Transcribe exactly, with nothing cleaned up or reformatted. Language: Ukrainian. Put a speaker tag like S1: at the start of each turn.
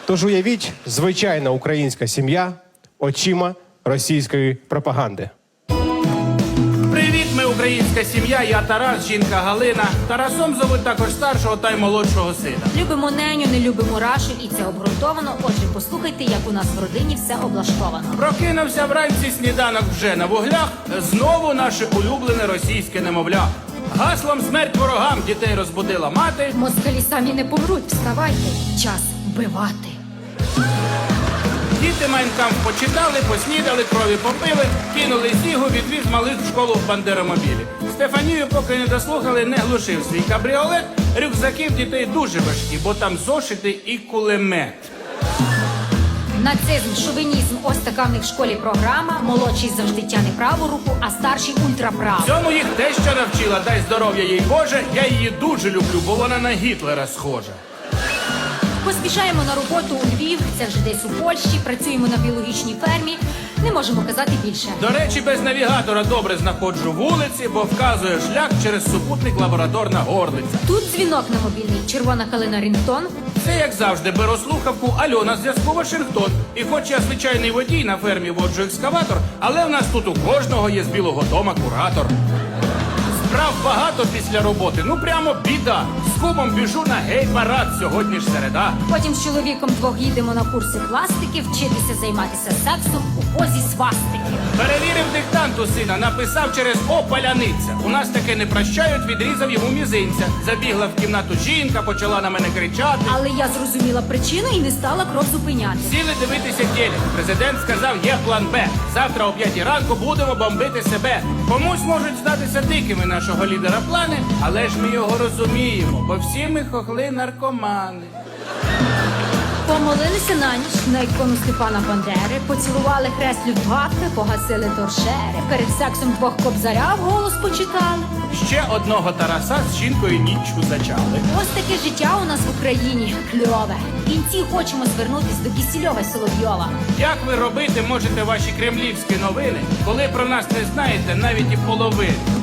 S1: Тож уявіть, звичайна українська сім'я очима російської пропаганди.
S2: Привіт, ми українська сім'я, я Тарас, жінка Галина. Тарасом зовуть також старшого та й молодшого сина.
S3: Любимо неню, не любимо Рашу, і це обґрунтовано. Отже, послухайте, як у нас в родині все облаштовано.
S2: Прокинувся вранці, сніданок вже на вуглях, знову наше улюблене російське немовля. Гаслом «Смерть ворогам» дітей розбудила мати.
S3: Москалі самі не помруть, вставайте, час вбивати.
S2: Діти «Майнкамф» почитали, поснідали, крові попили, кинули зігу, відвіз малих в школу в бандеромобілі. Стефанію, поки не дослухали, не глушив свій кабріолет. Рюкзаки в дітей дуже важкі, бо там зошити і кулемет.
S3: Нацизм, шовінізм, ось така в них в школі програма. Молодший завжди тяне праву руку, а старший ультраправу.
S2: Цьому їх дещо навчила, дай здоров'я їй Боже. Я її дуже люблю, бо вона на Гітлера схожа.
S3: Поспішаємо на роботу у Львів, це вже десь у Польщі, працюємо на біологічній фермі, не можемо казати більше.
S2: До речі, без навігатора добре знаходжу вулиці, бо вказує шлях через супутник лабораторна горлиця.
S3: Тут дзвінок на мобільний, червона калина Рінгтон.
S2: Це, як завжди, беру слухавку, Альона, зв'язку Вашингтон. І хоч я звичайний водій, на фермі воджу екскаватор, але в нас тут у кожного є з Білого дома куратор. Справ багато після роботи, ну прямо біда. З кумом біжу на гей-парад, сьогодні ж середа.
S3: Потім з чоловіком двох їдемо на курси пластики, вчитися займатися сексом у позі свастики.
S2: Перевірив диктант у сина, написав через «О, паляниця». У нас таке не прощають, відрізав йому мізинця. Забігла в кімнату жінка, почала на мене кричати.
S3: Але я зрозуміла причину і не стала кров зупиняти.
S2: Сіли дивитися телек. Президент сказав, є план Б. Завтра о п'ятій ранку будемо бомбити себе. Комусь можуть здатися дикими нашого лідера плани, але ж ми його розуміємо, бо всі ми хохли наркомани.
S3: Помолилися на ніч на ікону Степана Бандери, поцілували хрест Люфтваффе, погасили торшери, перед сексом двох кобзаря вголос почитали.
S2: Ще одного Тараса з жінкою ніччю зачали.
S3: Ось таке життя у нас в Україні кльове. В кінці хочемо звернутись до Кісільова й Соловйова.
S2: Як ви робити можете ваші кремлівські новини, коли про нас не знаєте навіть і половини?